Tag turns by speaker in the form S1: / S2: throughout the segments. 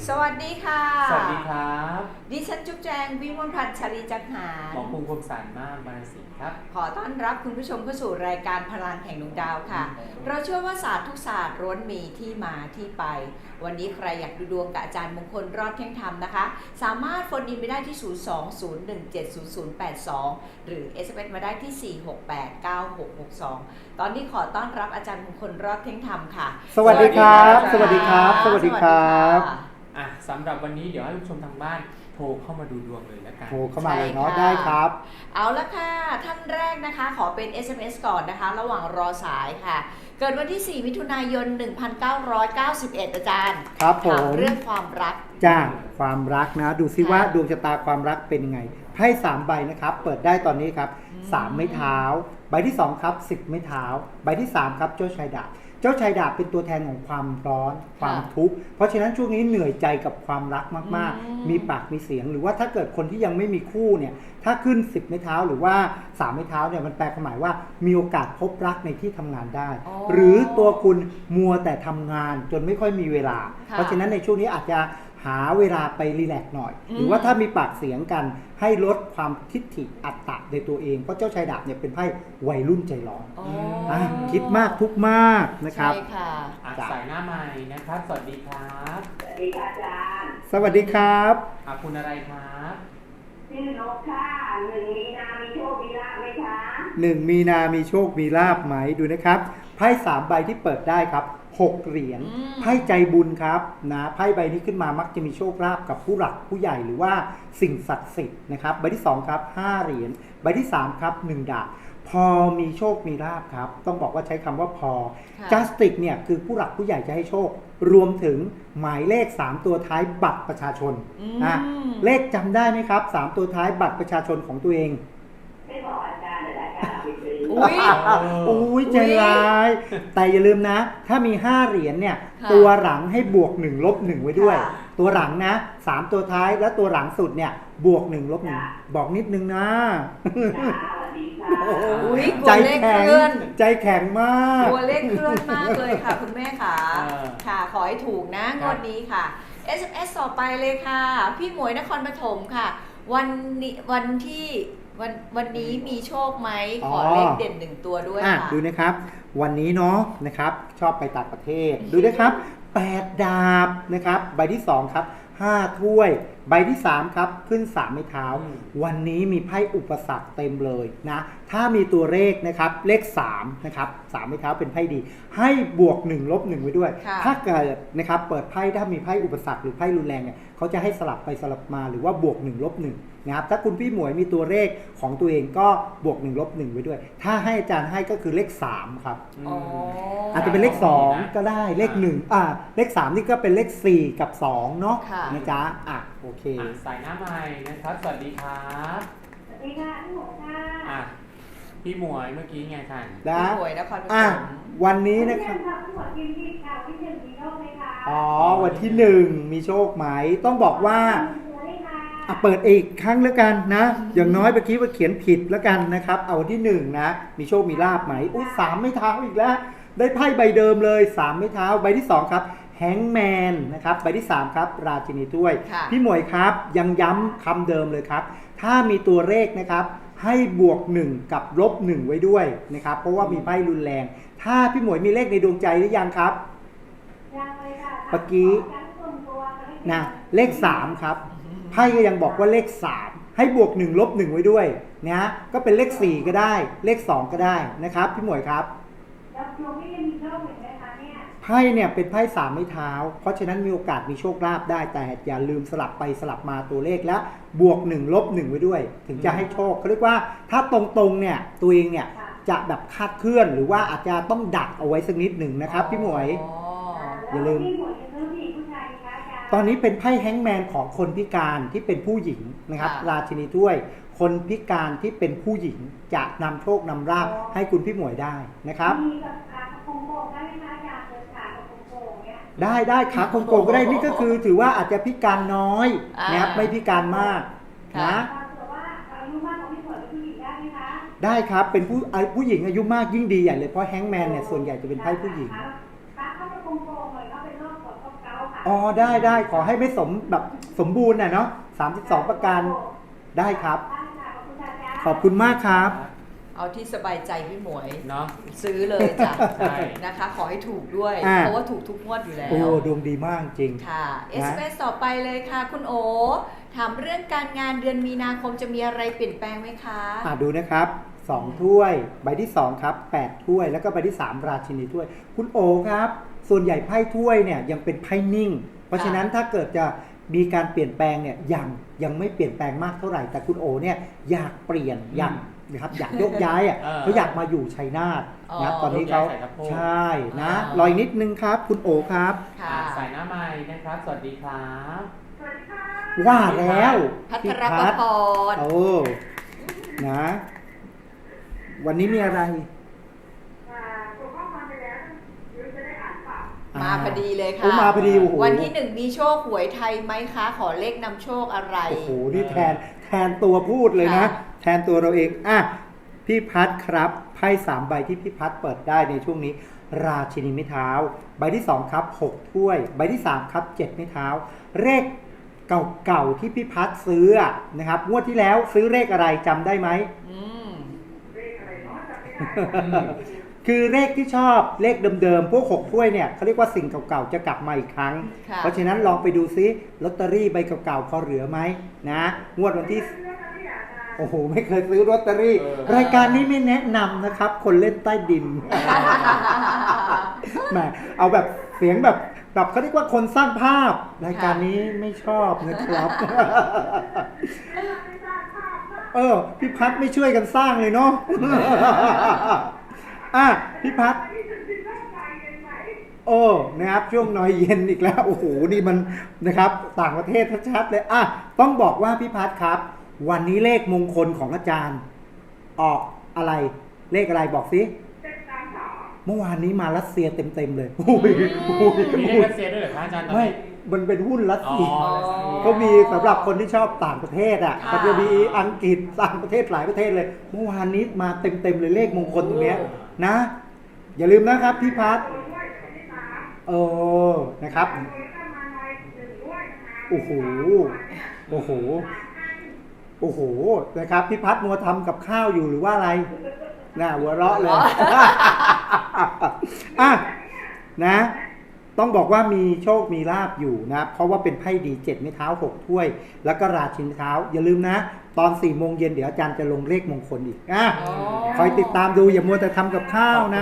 S1: สวัสดีค่ะ
S2: สวัสดีครับ
S1: ดิฉันจุ๊บแจงวิมลพันธ์ชลีจักหาร
S2: หมอภูมิคมสารมากบารสินครับ
S1: ขอต้อนรับคุณผู้ชมเข้าสู่รายการพลังแห่งดวงดาวค่ะเราเชื่อว่าศาสตร์ทุกศาสตร์ล้วนมีที่มาที่ไปวันนี้ใครอยากดูดวงกับอาจารย์มงคลรอดเที่ยงธรรมนะคะสามารถโฟนอินไปได้ที่ 020170082 หรือ SMS มาได้ที่ 4689662 ตอนนี้ขอต้อนรับอาจารย์มงคลรอดเที่ยงธรรมค่ะ
S3: สวัสดีครับสวัสดีครับสวัสดีครับ
S2: สำหรับวันนี้เดี๋ยวให้ผู้ชมทางบ้านโทรเข้ามาดูดวงเลยแล้วกัน
S3: โทรเข้ามาเลยเนาะได้ครับ
S1: เอาละค่ะท่านแรกนะคะขอเป็น SMS ก่อนนะคะระหว่างรอสายค่ะเกิดวันที่ 4 มิถุนายน 1991 อาจารย์
S3: ครับผม
S1: เรื่องความรัก
S3: จ้าความรักนะดูซิว่าดวงชะตาความรักเป็นยังไงไพ่3ใบนะครับเปิดได้ตอนนี้ครับ3ไม้เท้าใบที่2ครับ10ไม้เท้าใบที่3ครับเจ้าชายดาบเจ้าชายดาบเป็นตัวแทนของความร้อนความทุกข์เพราะฉะนั้นช่วงนี้เหนื่อยใจกับความรักมากๆมีปากมีเสียงหรือว่าถ้าเกิดคนที่ยังไม่มีคู่เนี่ยถ้าขึ้น10ไม้เท้าหรือว่า3ไม้เท้าเนี่ยมันแปลความหมายว่ามีโอกาสพบรักในที่ทำงานได้หรือตัวคุณมัวแต่ทำงานจนไม่ค่อยมีเวลาเพราะฉะนั้นในช่วงนี้อาจจะหาเวลาไปรีแลกซ์หน่อยหรือว่าถ้ามีปากเสียงกันให้ลดความทิฐิอัตตะในตัวเองเพราะเจ้าชายดาบเนี่ยเป็นไพ่วัยรุ่นใจร้อนคิดมากทุกมากนะครับ
S1: ใช่ค่ะ
S2: สายหน้าใหม่นะครับสวัสดีครับ
S4: สวัสดีค่ะอาจารย์
S3: สวัสดีครับ
S2: คุณอะไรครับ
S4: ชื่อนกค่ะ1 มีนามีโชคมีลาภไหมคะ
S3: 1 มีนามีโชคมีลาภไหมดูนะครับไพ่3ใบที่เปิดได้ครับ6เหรียญไพ่ใจบุญครับนะไพ่ใบนี้ขึ้นมามักจะมีโชคลาภกับผู้หลักผู้ใหญ่หรือว่าสิ่งศักดิ์สิทธิ์นะครับใบที่2ครับ5เหรียญใบที่3ครับ1ดาบพอมีโชคมีลาภครับต้องบอกว่าใช้คำว่าพอจัสติกเนี่ยคือผู้หลักผู้ใหญ่จะให้โชครวมถึงหมายเลข3ตัวท้ายบัตรประชาชนเลขจำได้ไหมครับ3ตัวท้ายบัตรประชาชนของตัวเอง
S4: ไม่บอกอาจารย์แต่อาจารย์ไปซื้อ
S3: อุ้ยใจร้ายแต่อย่าลืมนะถ้ามี5เหรียญเนี่ยตัวหลังให้บวก1ลบ1ไว้ด้วยตัวหลังนะ3ตัวท้ายและตัวหลังสุดเนี่ยบวก1ลบ1บอกนิดนึงนะใจแข็งใจแข็งมาก
S1: ตัวเลขเคลื่อนมากเลยค่ะคุณแม่ค่ะค่ะขอให้ถูกนะงวดนี้ค่ะ SMS ต่อไปเลยค่ะพี่หมวยนครปฐมค่ะวันนี้มีโชคไหมขอเลขเด่น1ตัวด้วยค่ะ
S3: ดูนะครับวันนี้เนาะนะครับชอบไปต่างประเทศดูนะครับ8ดาบนะครับใบที่2ครับ5ถ้วยใบที่3ครับขึ้น3ไม้เท้าวันนี้มีไพ่อุปสรรคเต็มเลยนะถ้ามีตัวเลขนะครับเลข3นะครับ3ไม้เท้าเป็นไพ่ดีให้บวก1ลบ1ไว้ด้วยถ้าเกิดนะครับเปิดไพ่ถ้ามีไพ่อุปสรรคหรือไพ่รุนแรงเนี่ยเขาจะให้สลับไปสลับมาหรือว่าบวก1ลบ1นะครับถ้าคุณพี่หมวยมีตัวเลขของตัวเองก็บวก1ลบ1ไว้ด้วยถ้าให้อาจารย์ให้ก็คือเลข3ครับอาจจะเป็นเลข2ก็ได้เลข1เลข3นี่ก็เป็นเลข4กับ2เนาะนะจ๊ะโอเค
S2: สายหน้าใหม่นะครับสวัสดีครับ
S4: สวัสดีค่ะพี่หมวยค่ะ
S2: พี่หมวยเมื่อกี้ไงท่าน
S1: พี่หมวยนครปฐม
S3: วันนี้นะครับ
S4: พี่หมวยกินที่ค่ะวันที่1มีโชคไหมคะ
S3: วันที่1มีโชคไหมต้องบอกว่าเปิดอีกครั้งแล้วกันนะอย่างน้อยเมื่อกี้ว่าเขียนผิดแล้วกันนะครับเอาวันที่1นะมีโชคมีลาภไหม3ไม้เท้าอีกแล้วได้ไพ่ใบเดิมเลย3ไม้เท้าใบที่2ครับแฮงแมนนะครับใบที่3ครับราชินีถ้วยพี่หมวยครับยังย้ำคำเดิมเลยครับถ้ามีตัวเลขนะครับให้บวก1กับลบ1ไว้ด้วยนะครับเพราะว่ามีไพ่รุนแรงถ้าพี่หมวยมีเลขในดวงใจหรือยังครับ
S4: ยังเลยค่ะ
S3: เมื่อกี้นะเลข3ครับไพ่ก็ยังบอกว่าเลข3ให้บวก1ลบ1ไว้ด้วยนะก็เป็นเลข4ก็ได้เลข2ก็ได้นะครับพี่หมวยครับ
S4: แล้วดวงนี้ยังมีโชคอีกไหมคะเนี่ย
S3: ไพ่เนี่ยเป็นไพ่3ไม้เท้าเพราะฉะนั้นมีโอกาสมีโชคลาภได้แต่อย่าลืมสลับไปสลับมาตัวเลขและบวก1ลบ1ไว้ด้วยถึงจะให้โชคเขาเรียกว่าถ้าตรงๆเนี่ยตัวเองเนี่ยจะแบบคาดเคลื่อนหรือว่าอาจจะต้องดักเอาไว้สักนิดหนึ่งนะครับพี่หมวยอย่าลืมตอนนี้เป็นไพ่แฮงแมนของคนพิการที่เป็นผู้หญิงนะครับราชินีถ้วยคนพิการที่เป็นผู้หญิงจะนำโชคนำลาภให้คุณพี่หมวยได้นะครับได้ขาโกงก็ได้นี่ก็คือถือว่าอาจจะพิการน้อยนะครับไม่พิการมากนะได้ครับเป็นผู้หญิงอายุมากยิ่งดีใหญ่เลยเพราะแฮงแมนเนี่ยส่วนใหญ่จะเป็นไพ่ผู้หญิงอ๋อได้ขอให้ไม่แบบสมบูรณ์นะเนาะ32 ประการได้ครับ ขอบคุณมากครับ
S1: เอาที่สบายใจพี่หมวย
S2: เนาะ
S1: ซื้อเลยจ้ะ
S2: ใช่
S1: นะคะ ขอให้ถูกด้วย
S3: อ่า
S1: เพราะว่าถูกทุกงวดอยู่แล้ว
S3: โอ้ดวงดีมากจริง
S1: ค่ะ SMS ต่อไปเลยค่ะ คุณโอ ถามเรื่องการงานเดือนมีนาคมจะมีอะไรเปลี่ยนแปลงไหมคะ
S3: ดูนะครับ2 ถ้วย ใบที่2ครับ8 ถ้วย แล้วก็ใบที่ 3 ราชินีถ้วย คุณโอครับ ส่วนใหญ่ไพ่ถ้วยเนี่ยยังเป็นไพ่นิ่ง เพราะฉะนั้นถ้าเกิดจะมีการเปลี่ยนแปลงเนี่ยยังไม่เปลี่ยนแปลงมากเท่าไหร่ แต่คุณโอเนี่ยอยากเปลี่ยนอยากโยกย้ายเขาอยากมาอยู่ชัยนาทนะตอนนี้เขาใช่นะรอยนิดนึงครับ คุณโอครับ
S1: ค่ะ
S2: สายหน้าไม้นะครับ สวัสดีครับ
S3: ว่าแล้ว
S1: พัท
S3: พี่
S1: ร
S3: พัฒน์
S1: พร
S3: โอ้นะ วันนี้มีอะไร
S1: มาพอดีเลย
S3: โอ้
S1: ค่ะ
S3: มาพอดีโอ้โห
S1: วันที่ 1 มีโชคหวยไทยไหมคะ ขอเลขนำโชคอะไร
S3: โอ้โหนี่แทนตัวพูดเลยนะ
S1: ค่ะ
S3: แทนตัวเราเองพี่พัดครับไพ่3 ใบที่พี่พัดเปิดได้ในช่วงนี้ ราชินีไม้เท้า ใบที่2ครับ6 ถ้วย ใบที่3ครับ7 ไม้เท้าเลขเก่าๆที่พี่พัดซื้อนะครับงวดที่แล้วซื้อเลขอะไรจำได้ไหม
S1: อืม
S3: คือเลขที่ชอบเลขเดิมๆพวก6 ถ้วยเนี่ยเขาเรียกว่าสิ่งเก่าๆจะกลับมาอีกครั้ง
S1: ค่ะ
S3: เพราะฉะนั้นลองไปดูซิลอตเตอรี่ใบเก่าๆพอเหลือไหมนะงวดวันที่โอ้โหไม่เคยซื้อลอตเตอรี่ รายการนี้ไม่แนะนำนะครับ คนเล่นใต้ดิน แหมเอาแบบเสียงแบบเขาเรียกว่าคนสร้างภาพ รายการนี้ไม่ชอบนะครับ พี่พัดไม่ช่วยกันสร้างเลยเนาะ พี่พัดนะครับช่วงน้อยเย็นอีกแล้วโอ้โหนี่มันนะครับต่างประเทศชัดๆเลยต้องบอกว่าพี่พัดครับ วันนี้เลขมงคลของอาจารย์ ออกอะไรเลขอะไรบอกสิเมื่อวานนี้มารัสเซียเต็มๆเลยโอ้ย
S2: มีเลขรัสเซียด้วยเหรอคะอาจารย์ตอน
S3: ไม่
S2: นี้
S3: มันเป็นหุ้นรัส
S2: อ๋อ
S3: เซีย
S2: รัสเซีย
S3: ก็มีสำหรับคนที่ชอบต่างประเทศ
S1: ค่ะ
S3: มันจะมีอังกฤษต่างประเทศหลายประเทศเลย เมื่อวานนี้มาเต็มเลยเลขมงคลตรงเนี้ยนะ อย่าลืมนะครับพี่พัฒน์นะครับโอ้โหนะครับพี่พัฒน์มัวทำกับข้าวอยู่หรือว่าอะไรน่าหัวเราะเลย นะต้องบอกว่ามีโชคมีลาบอยู่นะเพราะว่าเป็นไพ่ดี7 ไม้เท้า6 ถ้วย แล้วก็ราชินีเท้าอย่าลืมนะตอน4 โมงเย็นเดี๋ยวอาจารย์จะลงเลขมงคลอีกคอยติดตามดูอย่ามัวแต่ทำกับข้าวนะ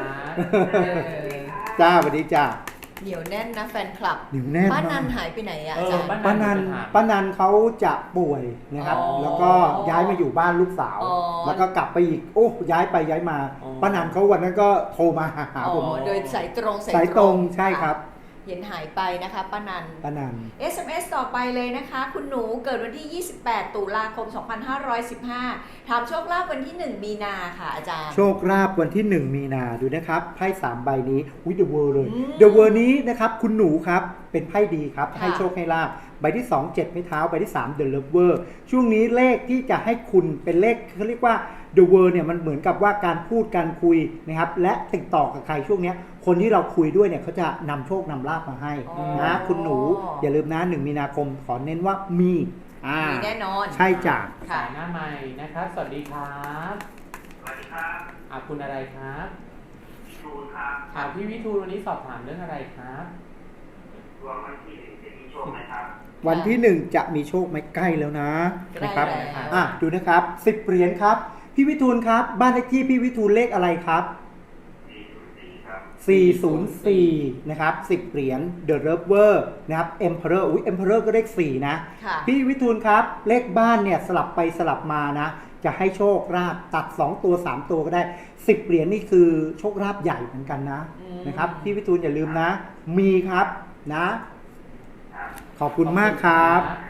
S3: จ้าสวัสดีจ้า
S1: เหนียวแน่นนะแฟนคลับ
S3: เหนียวแน่น
S1: ป้านั
S3: มาก
S1: นหายไปไหนอะอาจารย์
S3: ป้านันเขาจะป่วยนะครับ
S1: อ๋อ
S3: แล้วก็ย้ายมาอยู่บ้านลูกสาว
S1: อ๋อ
S3: แล้วก็กลับไปอีกย้ายไปย้ายมาป้านันเขาวันนั้นก็โทรมาหาผม
S1: โดยสายตรง
S3: สายตรงใช่ครับ
S1: เห็นหายไปนะคะป้านัน
S3: ป้านัน
S1: SMS ต่อไปเลยนะคะ คุณหนูเกิดวันที่ 28 ตุลาคม 2515 ถามโชคลาภวันที่ 1 มีนาค่ะอาจารย์
S3: โชคลาภวันที่ 1 มีนาดูนะครับไพ่3 ใบนี้เดอะเวิร์เลย
S1: อืม
S3: เดอะเวิร์นี้นะครับคุณหนูครับเป็นไพ่ดีครับ
S1: ค่ะ
S3: ให้โชคให้ลาภใบที่ 2 7 ไม้เท้าใบที่3 The Lover ช่วงนี้เลขที่จะให้คุณเป็นเลขเขาเรียกว่า The World เนี่ยมันเหมือนกับว่าการพูดการคุยนะครับและติดต่อกับใครช่วงเนี้ยคนที่เราคุยด้วยเนี่ยเขาจะนำโชคนำลาภมาให้
S1: อ๋อ
S3: นะคุณหนูอย่าลืมนะ1 มีนาคมขอเน้นว่ามี
S1: มีแน่นอน
S3: ใช่จ้ะ
S1: ค่ะ
S2: สายหน้าไม้นะครับ สวัสดีครับ
S4: สวัสดีครับ
S2: คุณอะไรครับ
S4: ชูนครับ
S2: พี่วิทูลวันนี้สอบถามเรื่องอะไรครับ
S4: ดวงวันที่จะมีโชคไหมครับ
S3: วันที่ 1 จะมีโชคไหมใกล้แล้วนะ
S1: ใกล้
S3: นะครับ
S1: แล้ว
S3: ดูนะครับ10 เหรียญครับพี่วิทูลครับบ้านเลขที่พี่วิทูลเลขอะไรครับ
S4: 404 ครับ
S3: 404 นะครับ10 เหรียญ The Lover นะครับ Emperor Emperor ก็เลข4นะ
S1: ค่ะ
S3: พี่วิทูลครับเลขบ้านเนี่ยสลับไปสลับมานะ จะให้โชคลาภตัด2 ตัว 3 ตัวก็ได้10 เหรียญนี่คือโชคลาภใหญ่เหมือนกันนะนะครับพี่วิทูลอย่าลืมนะ มีครับนะ ขอบคุณมากครับ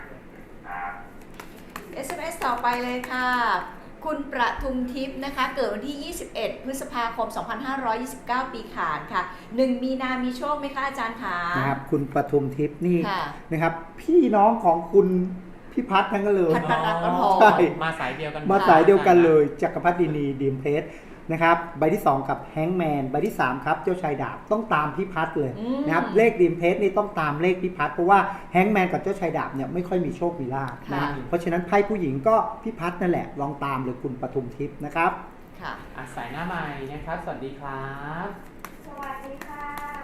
S1: SMS ต่อไปเลยค่ะ คุณประทุมทิพย์นะคะ เกิดวันที่ 21 พฤษภาคม 2529 ปีขานค่ะ 1 มีนามีโชคไหมคะอาจารย์คะ
S3: นะครับคุณปทุมทิพย์นี่
S1: ค่ะ
S3: นะครับพี่น้องของคุณพี่พัฒน์ทั้งนั้นเลย
S1: พัฒนรัตน์ก็พอ
S3: ใช่
S2: มาสายเดียวกัน
S3: มาสายเดียวกันเลยจักรพัฒดินีดีมเพชรนะครับใบที่2กับแฮงแมนใบที่3ครับเจ้าชายดาบต้องตามพี่พัดเลย
S1: อืม
S3: นะครับเลขริมเพชรนี่ต้องตามเลขพี่พัดเพราะว่าแฮงแมนกับเจ้าชายดาบเนี่ยไม่ค่อยมีโชคมีลาภนะ
S1: ค่ะ
S3: เพราะฉะนั้นไพ่ผู้หญิงก็พี่พัดนั่นแหละลองตามเลยคุณปทุมทิพย์นะครับ
S1: ค่ะ
S2: สายหน้าใหม่นะครับ สวัสดีครับ
S4: สวัสดีค่ะ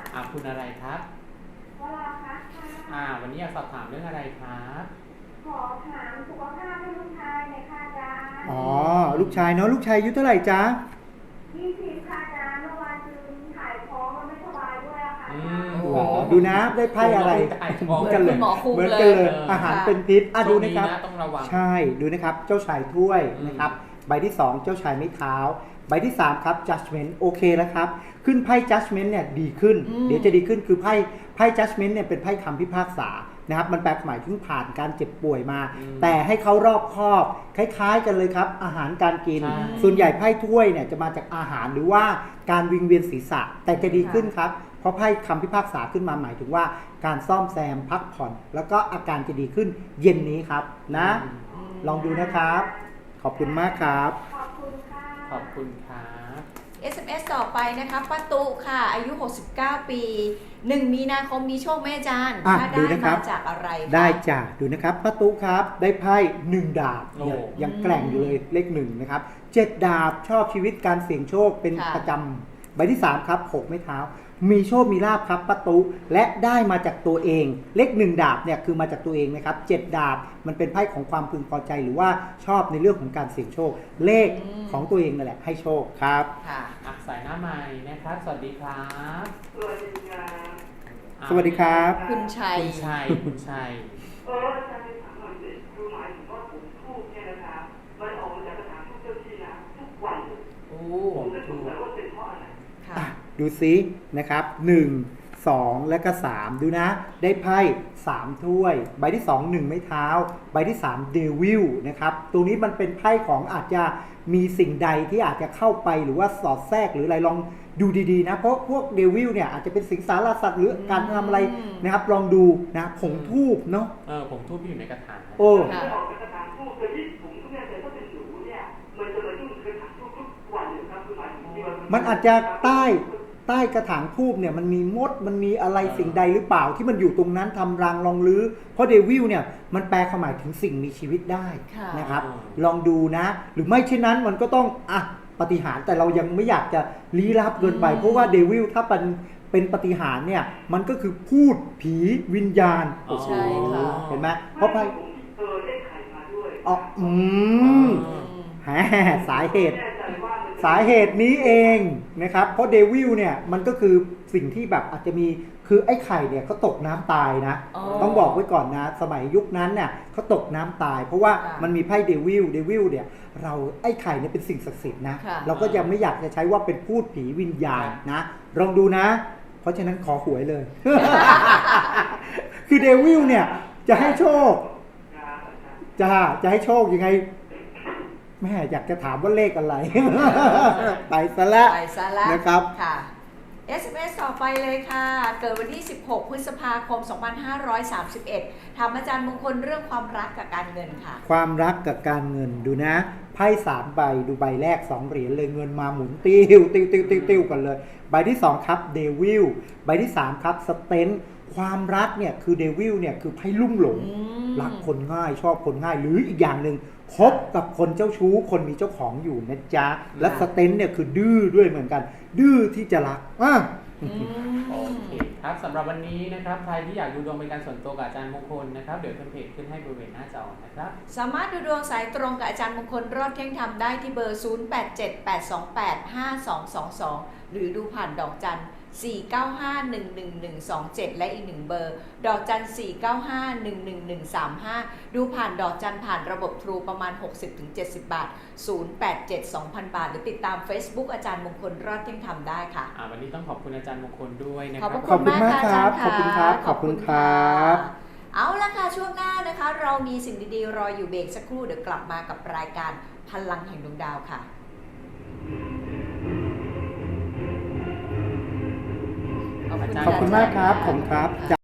S2: คุณอะไรครับ
S4: วราพัฒน์ค่ะ
S2: วันนี้อยากสอบถามเรื่องอะไรครับ
S4: ขอถามสุขภาพให้ลูกชายหน่อยค่ะอาจารย์
S3: อ๋อลูกชายเนาะลูกชายอายุเท่าไหร่จ๊ะ
S4: 20ค่ะอาจารย์เมื่อวานคือถ่ายท้องมันไม่สบายด้วยอะค่ะอาจารย์
S1: โอ้
S3: หรอดูนะได้ไพ่อะไร
S2: มอง
S1: เหมื
S2: กั
S1: อน น
S2: เล
S1: คุ
S2: ย
S1: ณหมอคุม
S3: เหมือน
S1: เล
S3: กัน
S1: ย
S3: เลยอาหารเป็นพิษดูนะครับ
S2: ช่วงต้องระวัง
S3: ใช่ดูนะครับเจ้าชายถ้วยนะครับใบที่ 2 เจ้าชายไม้เท้าใบที่ 3 ครับ judgment โอเคแล้วครับขึ้นไพ่ judgment เนี่ยดีขึ้น เดี๋ยวจะดีขึ้นคือไพ่ judgment เนี่ยเป็นไพ่คำพิพากษานะครับมันแปลหมายถึงผ่านการเจ็บป่วยมา แต่ให้เขารอบคอบคล้ายๆกันเลยครับอาหารการกิน
S2: ใช่
S3: ส่วนใหญ่ไพ่ถ้วยเนี่ยจะมาจากอาหารหรือว่าการวิงเวียนศีรษะแต่จะดีขึ้นครับเพราะไพ่คำพิพากษาขึ้นมาหมายถึงว่าการซ่อมแซมพักผ่อน แล้วก็อาการจะดีขึ้นเย็นนี้ครับนะลองดูนะครับ ขอบคุณมากครับ
S4: ขอบคุณค่ะ
S2: ขอบคุณครับ
S1: SMS ต่อไปนะคะป้าตุค่ะ อายุ 69 ปี 1 มีนาคมมีโชคไหมอาจารย์
S3: อ่ะ
S1: ถ้า
S3: ดู
S1: ได้
S3: นะครับ
S1: มาจากอะไรคะ
S3: ได้จ้ะดูนะครับป้าตุ๊ครับได้ไพ่1ดาบ
S2: โอ้
S3: ยังแกร่งอยู่เลยเลข1นะครับ7ดาบชอบชีวิตการเสี่ยงโชคเป็นประจำใบที่3ครับ6ไม้เท้ามีโชคมีลาภครับป้าตุ๊และได้มาจากตัวเองเลข1ดาบเนี่ยคือมาจากตัวเองนะครับ7ดาบมันเป็นไพ่ของความพึงพอใจหรือว่าชอบในเรื่องของการเสี่ยงโชค เลขของตัวเองนั่นแหละให้โชคครับ
S1: ค่ะ
S2: สายหน้าใหม่นะครับ สวัสดีครับ
S4: สวัสดีค่ะ
S3: สวัสดีครับ
S1: คุณชัย
S2: คุณชัย
S4: อาจารย์ถามหน่อยสิคือหมายถึงว่าผมทูบเนี่ยนะคะมันออกมาจากกระถางทูบเจ้าที่นะทุกวันเลย
S1: โอ้
S4: ผมก็สงสัยว่าเป็นเพราะอะไร
S1: ค่ะ
S3: อ่ะดูซินะครับ1 2 และก็ 3 ดูนะ ได้ไพ่3ถ้วย ใบที่ 2 1 ไม้เท้า ใบที่3เดวิลนะครับตรงนี้มันเป็นไพ่ของอาจจะมีสิ่งใดที่อาจจะเข้าไปหรือว่าสอดแทรกหรืออะไรลองดูดีๆนะเพราะพวกเดวิลเนี่ยอาจจะเป็นสิงสารสัตว์หรือการทำอะไรนะครับลองดูนะผงทูบเนาะ
S2: ผมทูบที่อยู่ในกระถาง
S3: โอ้
S4: ถ้าออกจากกระถางทูบแต่ที่ผมก็ไม่แน่ใจถ้าเป็นหนูเนี่ยมันจะมายุ่งกระถางทูบทุกวันเลยครับคือหมายถึงที่ว่า
S3: มันอาจจะใต้กระถางทูบเนี่ยมันมีมดมันมีอะไรสิ่งใดหรือเปล่าที่มันอยู่ตรงนั้นทำรังลองลื้อเพราะเดวิลเนี่ยมันแปลความหมายถึงสิ่งมีชีวิตได้
S1: ค่ะ
S3: นะครับลองดูนะ หรือไม่เช่นนั้นมันก็ต้องปาฏิหาริย์แต่เรายังไม่อยากจะลี้ลับเกินไป เพราะว่าเดวิลถ้าเป็นปาฏิหาริย์เนี่ยมันก็คือพูดผีวิญญาณ
S1: ใช่ค่ะ
S3: เห็นไหมเพราะไพ่
S4: ผมได้ไข่มาด้วย
S3: อ๋อแหมสาเหตุ
S4: แน่ใจว่ามัน
S3: สาเหตุนี้เองนะครับเพราะเดวิลเนี่ยมันก็คือสิ่งที่แบบอาจจะมีคือไอ้ไข่เนี่ยเขาตกน้ำตายนะ
S1: อ๋อ
S3: ต้องบอกไว้ก่อนนะสมัยยุคนั้นเนี่ยเขาตกน้ำตาย เพราะว่า
S1: ค่ะ
S3: มันมีไพ่เดวิลเนี่ยเราไอ้ไข่เนี่ยเป็นสิ่งศักดิ์สิทธิ์นะ
S1: ค่ะ
S3: เราก็ยังไม่อยากจะใช้ว่าเป็นพูดผีวิญญาณนะลองดูนะ เพราะฉะนั้นขอหวยเลย คือเดวิลเนี่ยจะให้โชคจะให้โชคยังไงแม่อยากจะถามว่าเลขอะไร ไปซะแล้ว
S1: ไปซะแล้ว
S3: นะครับ
S1: ค่ะ SMS ต่อไปเลยค่ะ เกิดวันที่ 16 พฤษภาคม 2531 ถามอาจารย์มงคลเรื่องความรักกับการเงินค่ะ
S3: ความรักกับการเงินดูนะไพ่3ใบดูใบแรก2เหรียญเลยเงินมาหมุนติ้วกันเลยใบที่2ครับเดวิลใบที่3ครับสเตนความรักเนี่ยคือเดวิลเนี่ยคือไพ่ลุ่มหลงรักคนง่ายชอบคนง่ายหรืออีกอย่างหนึ่งคบกับคนเจ้าชู้คนมีเจ้าของอยู่นะจ๊ะและสเตนเนี่ยคือดื้อด้วยเหมือนกัน ดื้อที่จะรัก
S2: โอเคครับสำหรับวันนี้นะครับใครที่อยากดูดวงเป็นการส่วนตัวกับอาจารย์มงคลนะครับเดี๋ยวขึ้นเพจขึ้นให้บริเวณหน้าจอนะครับ
S1: สามารถดูดวงสายตรงกับอาจารย์มงคลรอดเที่ยงธรรมได้ที่เบอร์ 0878285222 หรือดูผ่านดอกจัน 495111127 และอีก1เบอร์ดอกจัน 495111135 ดูผ่านดอกจันผ่านระบบทรูประมาณ 60-70 บาท 087-2,000 บาท หรือติดตาม Facebook อาจารย์มงคลรอดเที่ยงธรรมได้ค่ะ
S2: วันนี้ต้องขอบคุณอาจารย์มงคลด้วยนะค
S1: ข
S2: รั
S1: อบ
S2: บ
S1: พระคุณมากค่ะ
S3: ขอบคุณครับ
S1: อาจาย์ะ
S3: ขอบคุณครับ
S1: เอาละค่ะช่วงหน้านะคะ เรามีสิ่งดีๆรออยู่เบรกสักครู่เดี๋ยวกลับมากับรายการพลังแห่งดวงดาวค่ะ
S3: ขอบคุณมากครับผมครับ